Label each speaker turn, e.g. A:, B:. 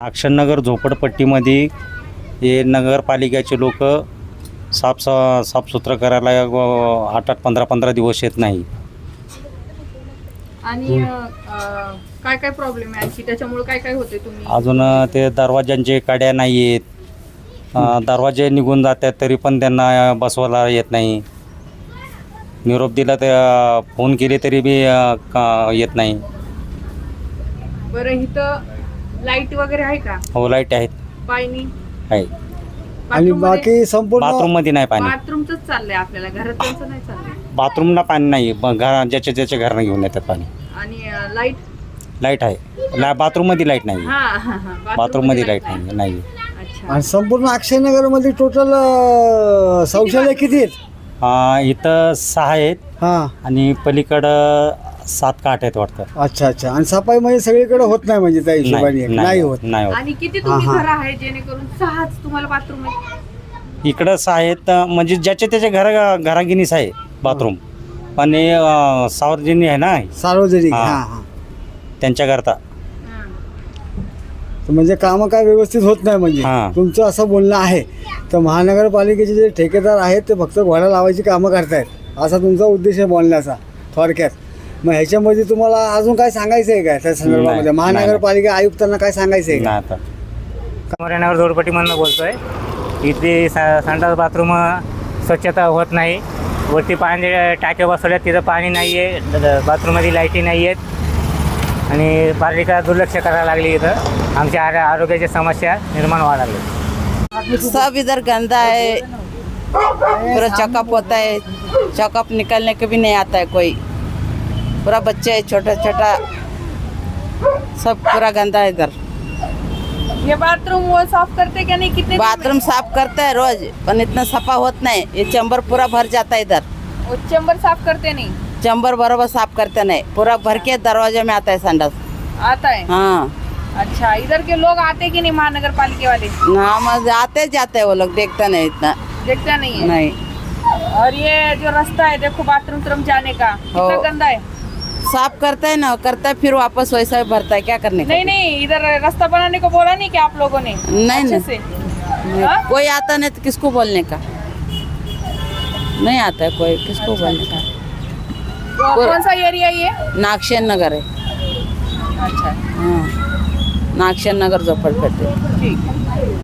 A: अक्षरनगर झोपडपट्टीमध्ये हे नगरपालिकेचे लोक साफसुथरं करायला 8-8, 15-15 दिवस येत नाही.
B: आणि काय काय प्रॉब्लेम आहे आणखी त्याच्यामुळे काय काय होते तुम्ही
A: अजून ते दरवाजांचे कड्या नाही आहेत. दरवाजे निघून जातात तरी पण त्यांना बसवायला येत नाही. निरोप दिला तर फोन केले तरी बी येत नाही.
B: बरं इथं लाईट वगैरे आहे का?
A: हो, लाईट आहेत,
B: पाणी
A: आहे.
C: आणि बाकी संपूर्ण
A: बाथरूममध्ये नाही पाणी.
B: बाथरूमच चाललंय आपल्याला, घरात नाही चाललंय.
A: बाथरूमला पाणी नाही. ज्याच्या घरानं घेऊन येतात पाणी.
B: आणि लाईट
A: लाईट आहे. बाथरूममध्ये लाईट नाही. बाथरूममध्ये लाईट नाही.
B: अच्छा.
C: आणि संपूर्ण अक्षयनगरमध्ये टोटल शौचालय किती आहेत?
A: इथं 6 आहेत
C: हां.
A: आणि पलीकडं 7 का 8 आहेत वाटतं.
C: अच्छा अच्छा. आणि सफाई म्हणजे सगळीकडे होत नाही म्हणजे त्या हिशोबाने नाही होत.
A: नाही होत.
B: आणि किती तुम्ही घर आहे जेणेकरून 6च तुम्हाला बाथरूम आहे?
A: इकडं 6 आहेत म्हणजे ज्याच्या त्याच्या घरागिनीस आहे बाथरूम. पण हे सार्वजनिक आहे ना,
C: सार्वजनिक.
A: हां.
C: हां हां.
A: त्यांच्याकरता.
C: तर म्हणजे कामं काय व्यवस्थित होत नाही म्हणजे
A: हां.
C: तुमचं असं बोलणं आहे. तर महानगरपालिकेचे जे ठेकेदार आहेत ते फक्त घोडा लावायची कामं करतायत असा तुमचा उद्देश आहे बोलण्याचा थोडक्यात. मग ह्याच्यामध्ये तुम्हाला अजून काय सांगायचं आहे का त्या संदर्भामध्ये?
A: नाही.
C: महानगरपालिका आयुक्तांना काय सांगायचं आहे का?
A: नाही आता.
D: कमरेनगर झोपडपट्टीमधून बोलतोय. इथली संडास बाथरूम स्वच्छता होत नाही. वरती पाणी टाक्या बसवल्यात, तिथं पाणी नाही आहे. बाथरूममध्ये लाईटी नाही आहेत आणि पालिका दुर्लक्ष करायला लागली. इथं आमच्या आरोग्याच्या समस्या निर्माण व्हायला लागल्या.
E: सब इधर गंदा है, पूरा चौकअप होता है, चौकअप निकलने के भी नहीं आता है कोई. पूरा बच्चे छोटा छोटा सब पूरा गंदा है इधर.
B: ये बाथरूम वो साफ करते क्या नहीं? कितने
E: बाथरूम साफ करता है रोज, पर इतना सफा होत नहीं. ये चैम्बर पूरा भर जाता है इधर.
B: वो चेंबर साफ करते नहीं?
E: चैम्बर बराबर साफ करते नहीं, पूरा भर के दरवाजे में आता है संडास.
B: आता है.
E: हाँ.
B: अच्छा, इधर के लोग आते कि नहीं महानगर पालिके वाले?
E: हम आते जाते हैं वो लोग, देखते नहीं इतना.
B: देखता नहीं है?
E: नहीं.
B: और ये जो रास्ता है देखो बाथरूम जाने का कितना गंदा है.
E: साफ करता है ना, करता है फिर वापस वैसा ही भरता है. क्या करने का?
B: नहीं नहीं, इधर रास्ता बनाने को बोला नहीं क्या आप लोगों ने?
E: नहीं
B: अच्छे
E: नहीं.
B: से. हाँ?
E: कोई आता नहीं तो किसको बोलने का? नहीं आता है कोई, किसको बोलने का?
B: तो कौन सा एरिया ये?
E: नागशेन नगर है.
B: अच्छा
E: हाँ, नागशेन नगर झोपड़पट्टी.
B: ठीक है.